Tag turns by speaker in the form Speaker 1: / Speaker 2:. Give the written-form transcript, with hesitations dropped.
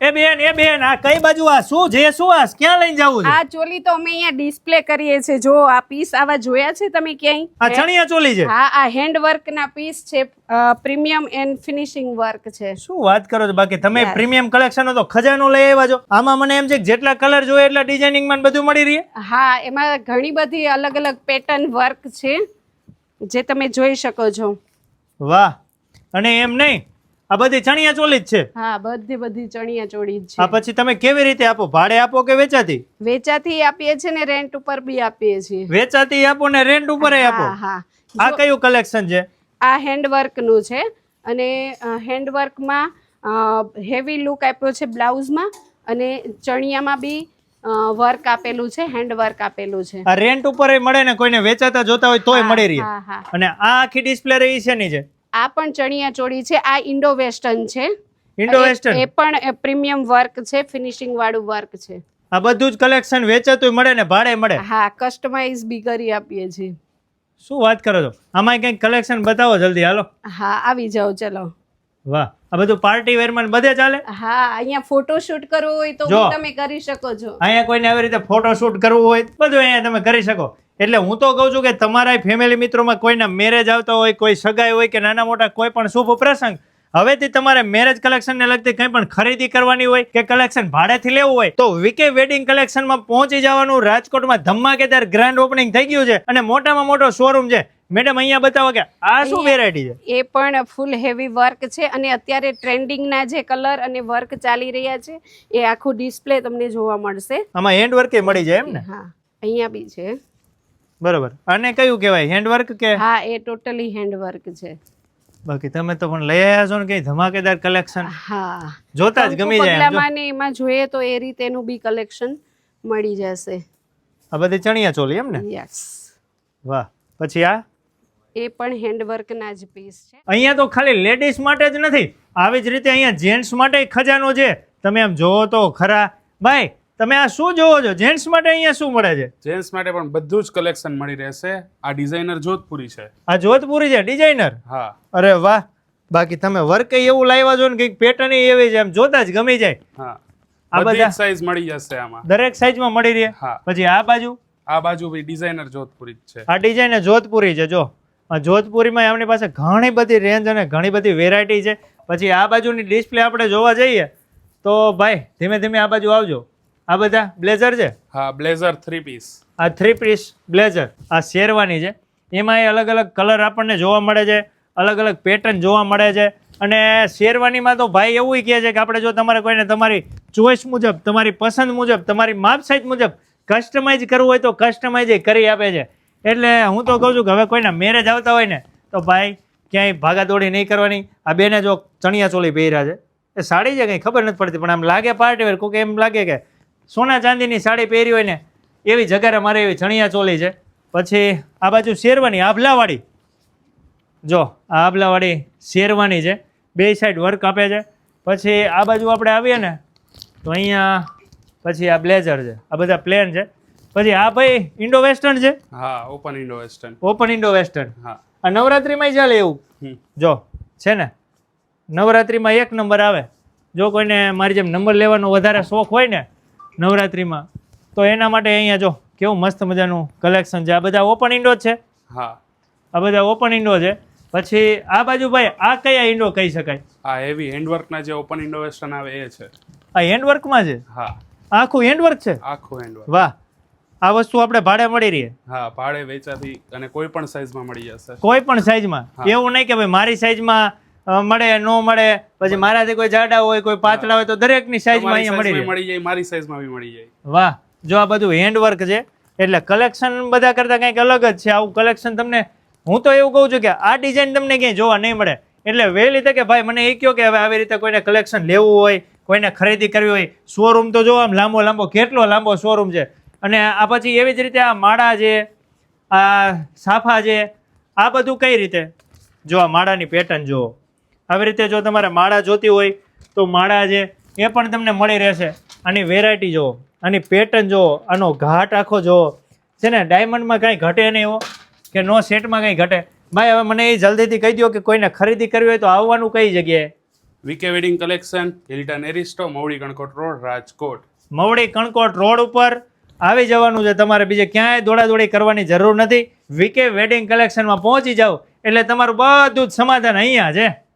Speaker 1: બેન આ કઈ બાજુ આ શું છે? શું આ ક્યાં લઈને જાવું છે?
Speaker 2: આ ચોલી તો અમે અહીંયા ડિસ્પ્લે કરીએ છે. જો આ પીસ આવા જોયા છે તમે ક્યાંય?
Speaker 1: આ ચણિયા ચોલી છે?
Speaker 2: હા, આ હેન્ડ વર્ક ના પીસ છે. પ્રીમિયમ એન્ડ ફિનિશિંગ વર્ક છે.
Speaker 1: શું વાત કરો છો? બાકી તમે પ્રીમિયમ કલેક્શન તો ખજાનો લઈ આવ્યા છો. આમાં મને એમ છે કે જેટલા કલર જોઈએ એટલા ડિઝાઇનિંગ માં બધું મળી રહે.
Speaker 2: હા, એમાં ઘણી બધી અલગ અલગ પેટર્ન વર્ક છે જે તમે જોઈ શકો છો.
Speaker 1: વાહ! અને એમ નહીં, આ બધી ચણિયા ચોલી જ છે?
Speaker 2: હા, બધી ચણિયા ચોળી જ છે.
Speaker 1: આ પછી તમે કેવી રીતે આપો? ભાડે આપો કે વેચાતી?
Speaker 2: વેચાતી આપીએ છીએ ને રેન્ટ ઉપર બી આપીએ છીએ.
Speaker 1: વેચાતી આપો ને રેન્ટ ઉપર આપો?
Speaker 2: હા.
Speaker 1: આ કયું કલેક્શન છે?
Speaker 2: આ હેન્ડવર્ક નું છે અને હેન્ડવર્કમાં હેવી લુક આપ્યો છે બ્લાઉઝમાં અને ચણિયામાં બી વર્ક આપેલું છે, હેન્ડવર્ક આપેલું છે.
Speaker 1: આ રેન્ટ ઉપર મળે ને કોઈને વેચાતા જોતા હોય તોય મળી રહે. અને આ આખી ડિસ્પ્લે રહી છે ની છે?
Speaker 2: આ પણ ચણિયા ચોળી છે. આ ઇન્ડો વેસ્ટર્ન છે.
Speaker 1: ઇન્ડો વેસ્ટર્ન
Speaker 2: એ પણ પ્રીમિયમ વર્ક છે, ફિનિશિંગ વાળું વર્ક છે.
Speaker 1: આ બધું જ કલેક્શન વેચાતું મળે ને ભાડે મળે?
Speaker 2: હા, કસ્ટમાઇઝ બી કરી આપીએ છીએ.
Speaker 1: શું વાત કરો છો? આમાં કંઈક કલેક્શન બતાવો જલ્દી, હાલો.
Speaker 2: હા, આવી જાઓ, ચલો.
Speaker 1: વાહ! આ બધું પાર્ટી વેર માં બધે ચાલે?
Speaker 2: હા, અહીંયા ફોટો શૂટ કરવો હોય તો તમે કરી શકો છો.
Speaker 1: અહીંયા કોઈને આવી રીતે ફોટો શૂટ કરવું હોય બધું અહીંયા તમે કરી શકો. એટલે હું તો કહું છું કે તમારા ફેમિલી મિત્રોમાં કોઈના મેરેજ આવતા હોય, કોઈ સગાઈ હોય કે નાના મોટા કોઈ પણ શુભ પ્રસંગ, હવેથી તમારે મેરેજ કલેક્શનને લગતી કંઈ પણ ખરીદી કરવાની હોય કે કલેક્શન ભાડેથી લેવું હોય તો વીકે વેડિંગ કલેક્શનમાં પહોંચી જવાનું. રાજકોટમાં ધમાકેદાર ગ્રાન્ડ ઓપનિંગ થઈ ગયું છે અને મોટામાં મોટો શોરૂમ છે. મેડમ અહીંયા બતાવો કે આ શું વેરાયટી છે?
Speaker 2: એ પણ ફૂલ હેવી વર્ક છે અને અત્યારે ટ્રેન્ડિંગના જે કલર અને વર્ક ચાલી રહ્યા છે એ આખું ડિસ્પ્લે તમને જોવા મળશે.
Speaker 1: આમાં હેન્ડ વર્ક મળી જાય એમ ને?
Speaker 2: હા, અહીંયા બી છે.
Speaker 1: બરોબર. અને કયું કહેવાય, હેન્ડ વર્ક કે?
Speaker 2: હા, એ ટોટલી હેન્ડ વર્ક છે.
Speaker 1: બાકી તમે તો પણ લઈ આવ્યા છો ને કઈ ધમાકેદાર કલેક્શન.
Speaker 2: હા,
Speaker 1: જોતા જ ગમી જાય.
Speaker 2: એમાં જોઈએ તો એ રીતેનું બી કલેક્શન મળી જશે.
Speaker 1: આ બધી ચણિયા ચોલી એમ ને?
Speaker 2: યસ.
Speaker 1: વાહ! પછી આ
Speaker 2: એ પણ હેન્ડવર્ક ના જ પીસ છે.
Speaker 1: અહીંયા તો ખાલી લેડીઝ માટે જ નથી, આવી જ રીતે અહીંયા જેન્ટ્સ માટે ખજાનો છે. તમે આમ જોવો તો ખરા. ભાઈ તમે આ શું જોવો છો? જેન્ટ્સ માટે અહીંયા શું મળે છે?
Speaker 3: જેન્ટ્સ માટે પણ બધું જ કલેક્શન મળી રહેશે. આ ડિઝાઇનર જોધપુરી છે.
Speaker 1: આ જોધપુરી છે ડિઝાઇનર?
Speaker 3: હા.
Speaker 1: અરે વાહ! બાકી તમે વર્ક એવું લાવ્યા છો ને, કંઈક પેટર્ન એવી છે, એમ જોતા જ ગમી જાય.
Speaker 3: હા,
Speaker 1: આ બધા
Speaker 3: સાઈઝ મળી જશે આમાં.
Speaker 1: દરેક સાઈઝમાં મળી રહે.
Speaker 3: હા.
Speaker 1: પછી આ બાજુ
Speaker 3: બી ડિઝાઇનર જોધપુરી જ છે.
Speaker 1: આ ડિઝાઇનર જોધપુરી છે. જો આ જોધપુરીમાં આપણી પાસે ઘણી બધી રેન્જ અને ઘણી બધી વેરાયટી છે. પછી આ બાજુની ડિસ્પ્લે આપણે જોવા જઈએ તો ભાઈ ધીમે ધીમે આ બાજુ આવજો. આ બધા બ્લેઝર છે?
Speaker 3: હા, બ્લેઝર 3 પીસ.
Speaker 1: આ 3 પીસ બ્લેઝર. આ શેરવાની છે. એમાં અલગ અલગ કલર આપણને જોવા મળે છે, અલગ અલગ પેટર્ન જોવા મળે છે. અને શેરવાનીમાં તો ભાઈ એવું કહે છે કે આપણે જો તમારે કોઈને તમારી ચોઈસ મુજબ, તમારી પસંદ મુજબ, તમારી માપ સાઈઝ મુજબ કસ્ટમાઇઝ કરવું હોય તો કસ્ટમાઇઝ કરી આપે છે. એટલે હું તો કહું છું કે હવે કોઈના મેરેજ આવતા હોય ને તો ભાઈ ક્યાંય ભાગાદોડી નહીં કરવાની. આ બેને જો ચણિયા ચોલી પહેર્યા છે, એ સાડી છે કંઈ ખબર નથી પડતી પણ આમ લાગે પાર્ટી વેર. કોઈક એમ લાગે કે સોના ચાંદીની સાડી પહેરી હોય ને એવી જગારે મારે એવી ચણિયા ચોલી છે. પછી આ બાજુ શેરવાની આભલાવાળી. જો આ આભલાવાળી શેરવાની છે, બે સાઈડ વર્ક આપે છે. પછી આ બાજુ આપણે આવીએ ને તો અહીંયા પછી આ બ્લેઝર છે. આ બધા પ્લેન છે. પછી આ ભાઈ ઇન્ડો વેસ્ટર્ન છે?
Speaker 3: હા, open Indo western.
Speaker 1: Open Indo western.
Speaker 3: હા,
Speaker 1: આ નવરાત્રીમાં ચાલે એવું? જો છે ને નવરાત્રીમાં એક નંબર આવે. જો કોઈને મારી જેમ નંબર લેવાનો વધારે શોખ હોય ને નવરાત્રીમાં તો એના માટે અહીંયા જો કેવું મસ્ત મજાનું કલેક્શન છે. આ બધા ઓપન ઇન્ડો છે? હા, આ બધા ઓપન ઇન્ડો છે. પછી આ બાજુ ભાઈ આ કયા ઇન્ડો કહી શકાય?
Speaker 3: આ હેવી હેન્ડવર્કના જે ઓપન ઇન્ડો વેસ્ટર્ન આવે એ છે.
Speaker 1: આ હેન્ડવર્કમાં છે?
Speaker 3: હા,
Speaker 1: આખું હેન્ડવર્ક છે?
Speaker 3: આખું હેન્ડવર્ક.
Speaker 1: વાહ! આ વસ્તુ આપણે ભાડે મળી રહી?
Speaker 3: હા, ભાડે વેચાતી અને કોઈ પણ સાઈઝમાં મળી જશે.
Speaker 1: કોઈ પણ સાઈઝમાં? એવું નહીં કે ભાઈ મારી સાઈઝમાં મળે ન મળે, પછી મારાથી કોઈ જાડા હોય કોઈ પાતળા હોય તો દરેકની સાઈઝમાં અહીંયા
Speaker 3: મળી જાય. મારી સાઈઝમાં બી મળી જાય.
Speaker 1: વાહ! જો આ બધું હેન્ડવર્ક છે એટલે કલેક્શન બધા કરતાં કંઈક અલગ જ છે. આવું કલેક્શન તમને હું તો એવું કહું છું કે આ ડિઝાઇન તમને ક્યાંય જોવા નહીં મળે. એટલે વહેલી તકે ભાઈ મને એ કહો કે હવે આવી રીતે કોઈને કલેક્શન લેવું હોય, કોઈને ખરીદી કરવી હોય, શોરૂમ તો જો આમ લાંબો કેટલો લાંબો શોરૂમ છે. અને આ પછી એવી જ રીતે આ માળા છે, આ સાફા છે, આ બધું કઈ રીતે? જો આ માળાની પેટર્ન જુઓ. આવી રીતે જો તમારે માળા જોતી હોય તો માળા છે એ પણ તમને મળી રહેશે. આની વેરાયટી જુઓ, આની પેટર્ન જુઓ, આનો ઘાટ આખો જુઓ છે ને. ડાયમંડમાં કાંઈ ઘટે નહીં એવો કે નો સેટમાં કંઈ ઘટે. ભાઈ હવે મને એ જલ્દીથી કહી દો કે કોઈને ખરીદી કરવી હોય તો આવવાનું કઈ જગ્યાએ?
Speaker 3: VK wedding collection, Hilton Aristo, Mavdi Kankot road, Rajkot.
Speaker 1: Mavdi Kankot road ઉપર આવી જવાનું છે. તમારે બીજે ક્યાંય દોડાદોડી કરવાની જરૂર નથી. વીકે વેડિંગ કલેક્શનમાં પહોંચી જાઓ એટલે તમારું બધું જ સમાધાન અહીંયા છે.